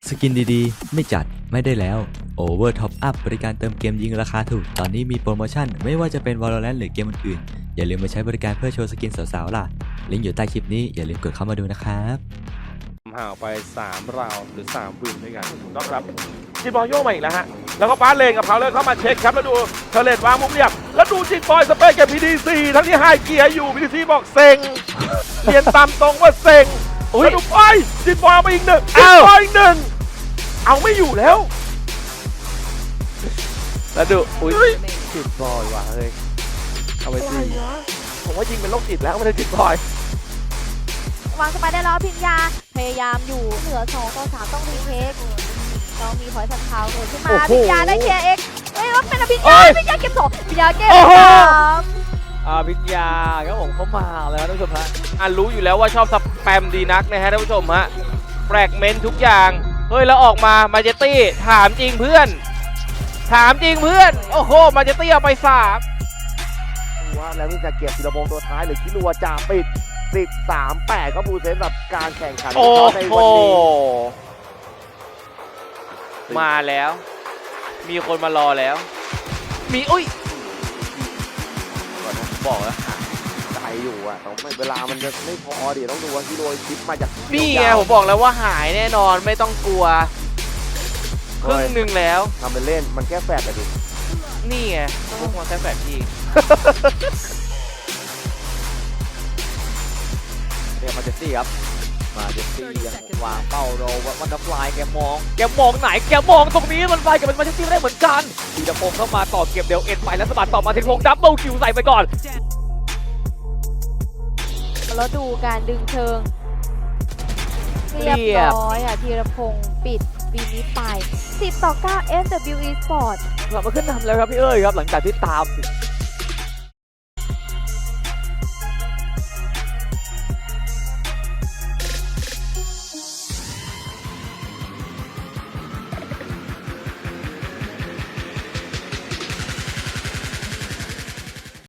สกินดีๆไม่จัดไม่ได้แล้ว Over Top Up บริการเติมเกมยิงราคาถูกตอนนี้มีโปรโมชั่นไม่ว่าจะเป็น Valorant หรือเกมอื่นๆอย่าลืมมาใช้บริการเพื่อโชว์สกินสาวๆล่ะลิงก์อยู่ใต้คลิปนี้อย่าลืมกดเข้ามาดูนะครับห่างไป3ราวหรือ3วินด้วยกันต้องครับจินบอยโยกมาอีกแล้วฮะแล้วก็ปาเลนกับเขาเลยเข้ามาเช็คครับแล้วดูเทเลตวางมุมเรียบแล้วดูจินบอยสเปซกับ PDC ทั้งที่ไฮเกียร์อยู่ PDC บอกเซ็งเรียนตามตรงว่าเซ็งแล้วดูจินบอยเอาไปอีกหนึ่งจินบอยอีกหนึ่งเอาไม่อยู่แล้วแล้วดูอุ้ยจิตบอยว่ะเฮ้ยเอาไปสิผมว่ายิงเป็นโรคจิตแล้วไม่ได้จินบอยวางสไปได้แล้วพิญญาพยายามอยู่เหลือ2ต่อ3ต้องรีเทคต้องมีพอยต์ทันเท้าเกิดขึ้นมาพิญญาได้เคลียร์เอ็กเฮ้ยว่าเป็นพิญญาเก็บ2พิญญาเก็บ3 พิญญาครับผมเขามาแล้วท่านผู้ชมฮะรู้อยู่แล้วว่าชอบสแปมดีนักนะฮะท่านผู้ชมฮะแฟรกเมนต์ทุกอย่างเฮ้ยแล้วออกมามาเจตี้ถามจริงเพื่อนโอ้โหมาเจตี้เอาไป3 ว่าแล้วนี่จะเก็บธีรพงษ์ตัวท้ายหรือคิรัวจะปิด13-8ก็บูเซนสำหรับการแข่งขันโอ้ในโหวันนี้มาแล้ว มีคนมารอแล้ว มีอุ้ยก่อนนะบอกแล้วใจอยู่อ่ะต้องไม่เวลามันจะไม่พอดิต้องดูว่าคิรัวชิปมาจากนี่ไงผมบอกแล้วว่าหายแน่นอนไม่ต้องกลัวครึ่งหนึ่งแล้วทำเป็นเล่นมันแค่แฝดแต่ดินี่ไงพวกมันแค่แฝดพี่เนี่ยมาเจสซี่ครับมาเจสซี่ยังวางเป้ารอวันดับฟลายแกมองไหนแกมองตรงนี้มันไฟกับมาเจสซี่ไม่ได้เหมือนกันธีรพงษ์เข้ามาต่อเก็บเดลเอ็นไปแล้วสะบัดต่อมาธีรพงษ์ดับเบิลคิวใส่ไปก่อนแล้วดูการดึงเชิงเรียบร้อยค่ะธีรพงศ์ปิดวีนี้ไป10-9 SWE Sport กลับมาขึ้นนำแล้วครับพี่เอ้ยครับหลังจากที่ตาม